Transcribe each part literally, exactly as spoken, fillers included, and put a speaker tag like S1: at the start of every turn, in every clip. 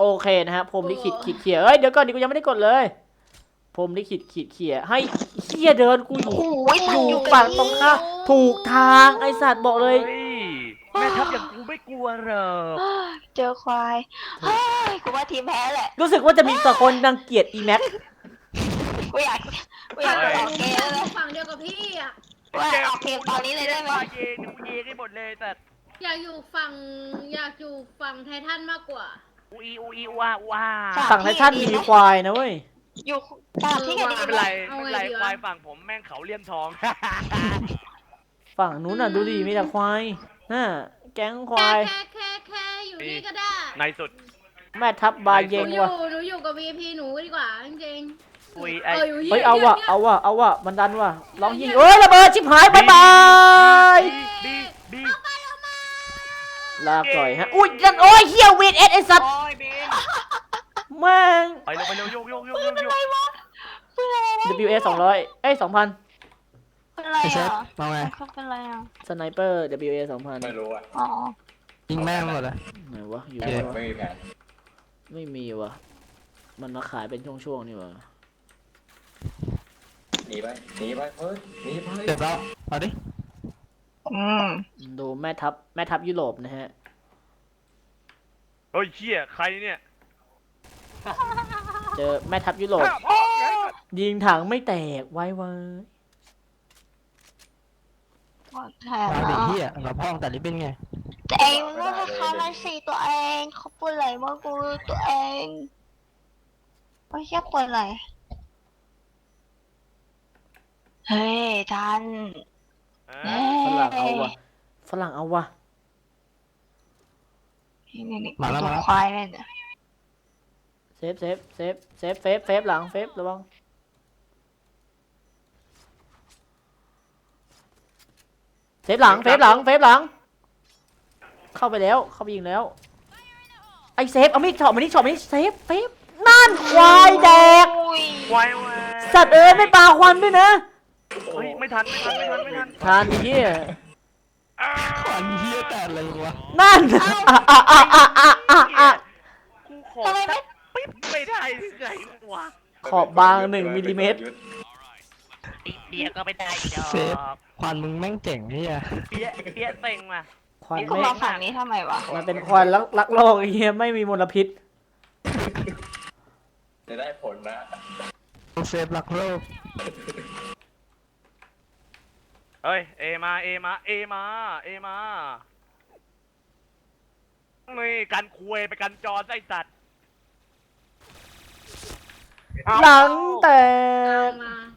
S1: โอเคนะฮะผมลิขิตขีดเขียเอ้ยเดี๋ยวก่อนดิกูยังไม่ได้กดเลยผมลิขิตขีดเขียให้เฮียเดินกูอยู่อยู่ฝั่งตรงข้ามถูกทางไอสัตว์บอกเลย
S2: แม่ทัพอย่างกูไม่กลัวหรอก
S3: เจอควายเฮ้ยกูว่าทีมแพ้แหละ
S1: รู้สึกว่าจะมีสักคนรังเกียจอีแม็ก
S3: กูอยากกูอยากออกเกมเลย
S4: ฝั่งเดียวกับพี่อ่ะ
S3: ว่าออกเกมตอนนี้เลยได้ไหม
S2: เย็นกูเย็นให้หมดเลยแต่
S4: อยากอยู่ฝั่งอยากอยู่ฝั่งไททันมากกว่า
S2: อูอีอูอีว่าว่า
S1: ฝั่งไททันมีควายนะเว้ย
S3: อยู่ฝั่งที่กันดี
S2: ไม่เป็นไรไม่เป็นไรควายฝั่งผมแม่งเขาเลี่ยมทอง
S1: ฝั่งนู้นน่ะดูดิมีแต่ควายน่ะแก๊งควาย
S4: แค่แค่แค่อยู่นี่ก็ได้
S2: ในสุด
S1: แม่ทัพบาเยง
S4: ว่ะ
S1: ห
S4: นูอยู่กับ วี พี หนูดีกว่าจริง
S2: ๆอุ้ยไอ้
S1: เฮ้ยเอาว่ะเอาว่ะเอาว่ะมันดันว่ะร้องยิงเอ้ยระเบิดชิบหายบายบายลาก่อยฮะอุ้ยยันโอ้ยเฮียวีดเอสไอสัตว์แม่ง
S2: ไปเร็วไปเร็วโยกโยกโยกโยก
S1: ดับเบิลยู เอ สองร้อยเอ้ยสองพัน
S3: เป็นไรอ่ะเอาไงเขาเป็นไรอ่ะ
S1: สไนเปอร์ ดับเบิลยู เอ สองพัน
S5: ไม่รู้อ่ะ
S3: อ๋อ
S5: ยิงแม่งหมดเลย
S1: ไหนวะอยู่
S5: ไม่มีแผน
S1: ไม่มีวะมันมาขายเป็นช่วงๆนี่วะ
S5: หนีไปหนีไปเฮ้ยหนีไป
S3: เดี๋
S5: ยวเรา
S3: เอาดิอืม
S1: ดูแม่ทัพแม่ทัพยุโรปนะฮะ
S2: เฮ้ยเชี่ยใครเนี่ย
S1: เจอแม่ทัพยุโรปยิงถังไม่แตกไว้ไว้
S3: แทน
S5: ดิเฮียเราพ่องแต่ลิบเป็นไง
S3: แต่เองว่าเขาไล่สีตัวเองเขาพูดอะไรมากูตัวเองไม่ใช่เปิดอะไรเฮ้ยทัน
S1: ฝรั่งเอาวะฝรั่งเอาวะ
S3: นี่นี่มาแล้วมาแล้วควายเลยเนี่ย
S1: เซฟเซฟเซฟเซฟเฟฟเฟฟหลังเฟฟระวังเซฟหลังเฟฟหลังเฟฟหลังเข้าไปแล้วเข้าไปยิงแล้วไอเซฟเอามีดช็อตมานี่ช็อตมานี่เซฟเฟฟนั่นควายแดก
S2: ควาย
S1: สัตว์เอ้ยไม่ปาควันด้วยนะ
S2: เฮ้ยไม่ทันไม่ทันไม่ทันไม่ทัน
S1: ทันเฮีย
S5: ควันเฮียแต่อะไรวะ
S1: นั่นอ่ะอ่ะอ่ะอ่ะอ่ะอ่ะอ่ะ
S2: กูขอสักปิ๊บไม่ได้ไงวะ
S1: ขอบบางหนึ่งมิลลิเมตร
S2: เปียก็ไม่ได้ดอก
S5: เซฟควันมึงแม่งเจ๋งเฮีย
S2: เปียเปียเต็งมา
S1: ควัน
S3: ไม่มาฝั่งนี้ทำไมวะ
S1: มันเป็นควันรักรักโลกเฮียไม่มีมลพิษ
S5: จะได้ผลนะเซฟรักโลก
S2: เฮ้ยเอมาเอมาเอมาเอมานี่กันคุยไปกันจอไอ้สัตว์
S1: หลังแตก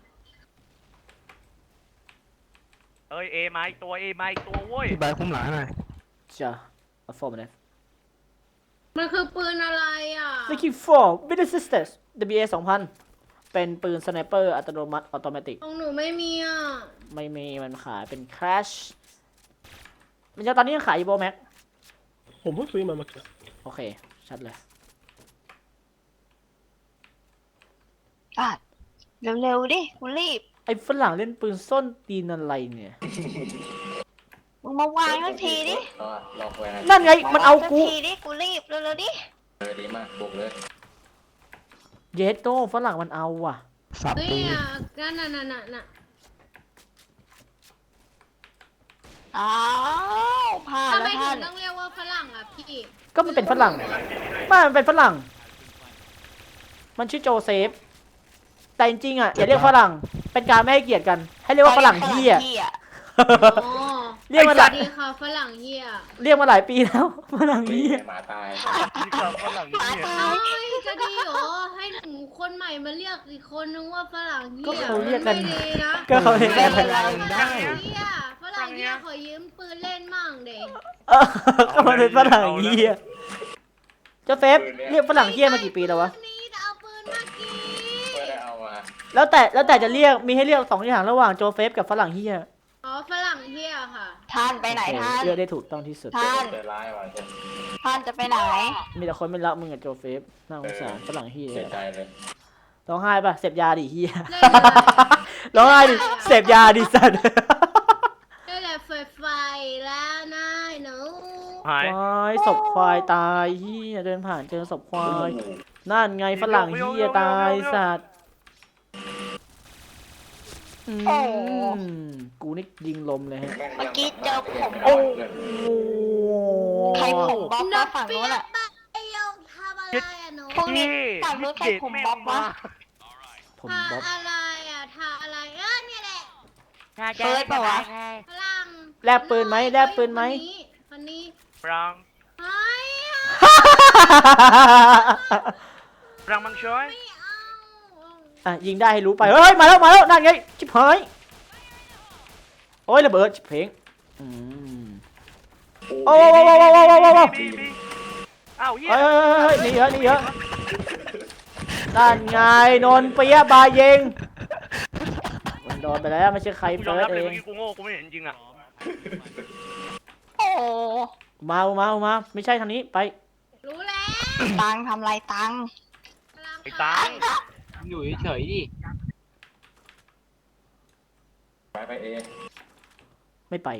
S2: เอ้ยเอมาอีกตัวเอมาอีกตัวเว้ย
S5: พี่ใบคุ้มหลังหน่อย
S1: จ้ะเอาฟอร์มนะ
S4: มันคือปืนอะไรอ่ะ
S1: Lucky Four with assistance ดับเบิลยู เอ สองพันเป็นปืนสไนเปอร์อัตโนมัติออโตเมติก
S4: ของหนูไม่มีอ่ะ
S1: ไม่มีมันขายเป็น Crash มันจะตอนนี้ยังขายอยู่โบแม็ก
S5: ผมเพิ่งซื้อมาเมื่อกี้
S1: โอเคชัดเลย
S3: อ่ะเร็วๆดิกูรีบ
S1: ไอ้ฝรั่งเล่นปืนส้นตีนอะไรเนี่ย
S3: มึงมาวางสักทีดิ
S1: นั่นไงมันเอากู
S3: ทีดิกูรีบเร็วๆดิ
S5: เออดีมากบุกเลย
S1: เยสโต้ฝรั่งมันเอาว่ะ
S4: เฮ้ยอ่ะนั่นน่ะน่ะน่ะน่ะ
S3: อ้าวพลาดแล้วท่าน
S4: ทำไมถึงต้องเรียกว่าฝรั่งอ่ะพี่
S1: ก็มันเป็นฝรั่งไม่มันเป็นฝรั่งมันชื่อโจเซฟแต่จริงๆอ่ะอย่าเรียกฝรั่งเป็นการไม่ให้เกียรติกันให้เรียกว่าฝรั่งเฮียเรียกมาหลาย
S4: ดีค่ะฝรั่งเฮีย
S1: เรียกมาหลายปีแล้วฝรั่งเฮีย
S5: หมาตาย
S2: ดีค่ะฝรั่งเฮีย
S4: จะดีเหรอให้หนูคนใหม่มาเรียกอีกคนนึงว่าฝรั่งเฮีย
S1: ก็เขาเรียกกัน
S4: นะ
S1: ก็เขาเรียกกัน
S4: ได้ฝรั่งเฮียขอยืมปืนเล่นมั่งเด็ก
S1: ก็มาเป็นฝรั่งเฮียเจ้าเฟฟเรียกฝรั่งเฮียมากี่ปีแล้ววะแล้วแต่แล้วแต่จะเรียกมีให้เรียกสองอย่างระหว่างโจเฟฟกับฝรั่งเฮีย
S4: อ๋อฝรั่งเฮียค่ะ
S3: ท่านไปไหนท่าน
S1: เลือกได้ถูกต้องที่สุด
S3: ท่านท่านจะไปไหน
S1: มีแต่คนไม่รักมึงกับโจเฟฟน่าสงสารฝรั่งเฮีย
S5: เสียใจเลย
S1: ร้องไห้ป่ะเสพยาดิเฮียร้องไห้ดิเสพยาดิสัตว์
S4: ได้แหละเฟไฟแล้วนายหนู
S2: หาย
S1: ควายศพควายตายเฮียเดินผ่านเจอศพควายนั่นไงฝรั่งเฮียตายสัตว์อืมกูนี่ยิงลมเลยฮะ
S3: เมื่อกี้เจอผม
S1: โอ้
S3: ใครผมบ๊อบมาฝั่งนู้นอ่ะ
S4: ไอ้ยงทำอะไรอะหนู
S3: พวกนี้
S2: พี่
S3: ฝั่งนู้นใครผมบ๊อบวะ
S1: ผม
S4: ทา
S1: บ๊อบ
S4: อะไรอะทาอะไรเออเนี่ยแหละ
S3: เฟิร์สเปล่าวะ
S4: พลัง
S1: แลบปืนไหมแลบปืนไหม
S4: คนนี้คนนี้
S2: รัง
S4: เฮ้ย
S2: รังมังช่วย
S4: ไม่เอา
S1: อ่ะยิงได้ให้รู้ไปเฮ้ยมาแล้วมาแล้วนั่นไงชิบหายโอ้ยระเบิดชิบเพลงอืมโอ้โหโอ้โหโอ้โหโอ้โหโอ้โห
S2: บีบีอ้าวเฮีย
S1: เฮ้ยเฮ้ยเฮ้ยหนีเยอะหนีเยอะนั่นไงนนเปียบาเยงมันโดนไปแล้วไม่ใช่ใคร
S2: กูยอ
S1: เฟิ
S2: ม
S1: ร์
S2: รับ
S1: ส
S2: เล
S1: เอย
S2: เมื่อง กี้กูโง่กูไม่เห็นจริงอ่ะ
S3: โอ้
S1: มาเอามาเอามาไม่ใช่ทางนี้ไป
S4: รู้แล้ว
S3: ตังทำไรตัง
S4: พลัง
S2: ไอ้ตัง
S5: อยู่เฉยๆดิ
S6: ไปไปเอ
S1: ไม่ไป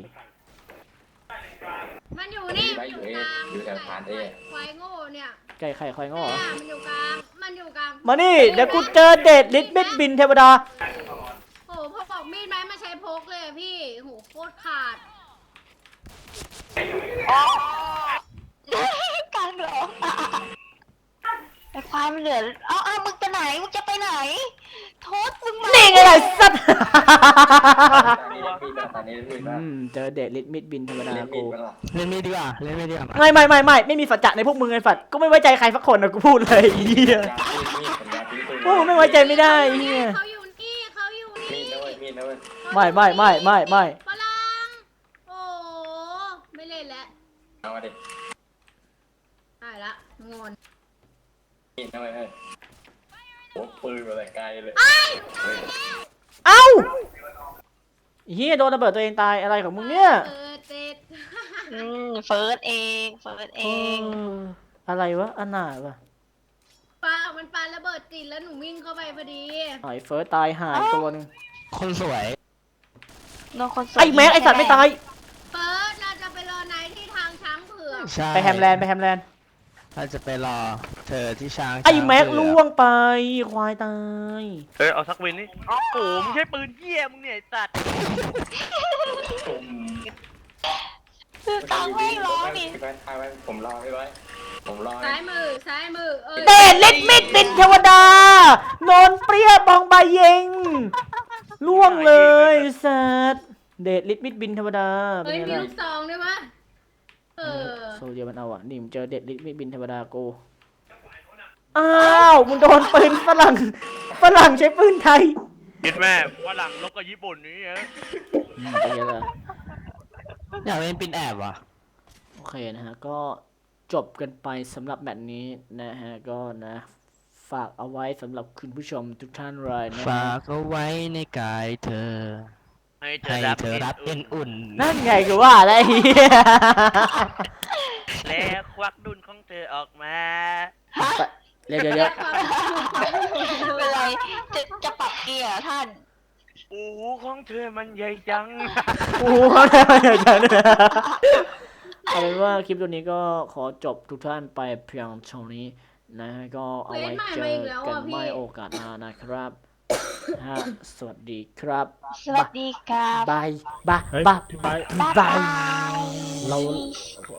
S4: มันอยู่นี่
S6: ไป
S4: มัน
S6: อ
S4: อยู่ ยู่
S6: เอก
S4: ลาง
S6: อยู่แถวฐานเอ
S4: ควายโง่เนี่ย
S1: ไก่ไข่ควายง้อเหรอ
S4: เนี่ยมันอยู่กลางมันอยู่กลาง
S1: มานี่เดี๋ยวกูเจอเดดลิทบิดบินเทวดา
S4: โอ้พอบอกมีดไหมมาใช้พกเลยอะพี่โหโคตรขาด
S3: กลางเหรอไอ้ควายมันเหลือเอาเอามึงไปไหนมึงจะไปไหนโทษมึงมา
S1: นี่ไงล่ะสัตว์
S6: ตอนนี้มีดตอนนี้มีด
S1: อืมเจอเดดลิทมิดบินเทวดา
S6: เล่นมี
S1: กู
S6: ดมันหรอ
S5: เล่นไม่ดีกว่าเล่นไม่ดีกว่า
S1: ไม่ไม่ไม่ไม่ไม่มีสัจจะในพวกมึงไอ้ฝัดก็ไม่ไว้ใจใครสักคนนะกูพูดเลยไอ้เหี้ย
S6: ยามีดมีดผมยาทิ้งปืน
S1: โอ้ไม่ไว้ใจไม่ได้ไอ้เหี้ย
S4: เขาอยู่นี่เขาอยู่
S6: มี
S4: นี่
S6: ดนะเว้ยมีดนะเว้ย
S1: ไม่ไม่ไม่ไม่ไม่
S4: พลังโอ้ไม่เล่นแล้ว
S6: เอามาดิ
S4: ได้ละงอน
S6: มีดนะเว้ยเฮ้ยโอ้ปืนมาแต่ไกลเลย
S1: เอ้าเฮียโดนระเบิดตัวเองตายอะไรของมึงเนี่ย
S4: เออเจ็ด
S3: อืมเฟิร์สเองเฟิร์สเอ
S1: เอง ออะไรวะอันหนาวะ
S4: ปามันปาระเบิดติดแล้วหนูวิ่งเข้าไปพอดี
S1: ไอ้เฟิร์สตายหายตัวหนึง
S5: คนสวย
S3: โดนคนสวย
S1: ไอ้แม็กไอ้สัตว์ไม่ตาย
S4: เฟิร์สเราจะไปรอไนท์ที่ทางช้างเผือก
S5: ใช่
S1: ไปแฮมแลนด์ไปแฮมแลนด์
S5: เราจะไปรอเธอที่ช้าง
S1: ไอ้แม็ก
S5: ช้างเผือ
S1: ล่วงไปควายตาย
S2: เออเอาสักวินนี่โอ้โหมึงใช้ปืนเหี้ยมึงเนี่ยไอ้สัตว์
S6: ตุ่ม
S3: คือตังไม่ร้องดิ
S6: พี่ไว้ทายไว้ผมรอพี่ไว้ผมรอ
S4: ซ้ายมือซ้ายมือเออ
S1: เดดลิทมิดบินเทวดาโนนเปรี้ยบองใบเยงล่วงเลยสัตว์เดดลิทมิดบินเทวดาเป็
S4: เฮ้ย
S1: นไง
S4: มี
S1: ล่ะ
S4: ลูกซองด้วยวะเออ
S1: โซเดียมันเอาอ่ะนี่มึงเจอเดดลิทมิดบินเทวดากู อ้าวมึงโดนปืนฝรั่งฝรั่งใช้ปืนไทย
S2: คิดแม่ว่าหลังลบกับญี่ปุ่นนี่เออ
S1: อืมเป็นไงล่ะ
S5: อยากเล่นปินแอบว่ะ
S1: โอเคนะฮะก็จบกันไปสำหรับแมตช์นี้นะฮะก็นะฝากเอาไว้สำหรับคุณผู้ชมทุกท่านเลยนะ
S5: ฝา
S1: ฮะ
S5: กเอาไว้ในกายเธอ
S2: ให้เธ
S5: ให้
S2: อรับ
S5: เธอรับเอ็นอุ่น
S1: นั่นไงคือว่าอะไรเหี้ย
S2: แล้วควักดุนของเธอออกมา
S1: เดี๋ยวเดี๋ยวเดี๋ยว
S3: เป็นไรจะจะปรับเกียร์เหรอท่าน
S2: โอ้โหของเธอมันใหญ่จัง
S1: โอ้โหเขาได้มาอย่างนั้นเลยเอาเป็นว่าคลิปตัวนี้ก็ขอจบทุกท่านไปเพียงเท่านี้นะฮะก็เอาไว้เจอกันไม่โอกาสหน้านะครับฮะสวัสดีครับ
S3: สวัสดีครับ
S1: บายบายบายบาย
S3: บ๊าย
S1: บา
S3: บาย ย
S1: เรา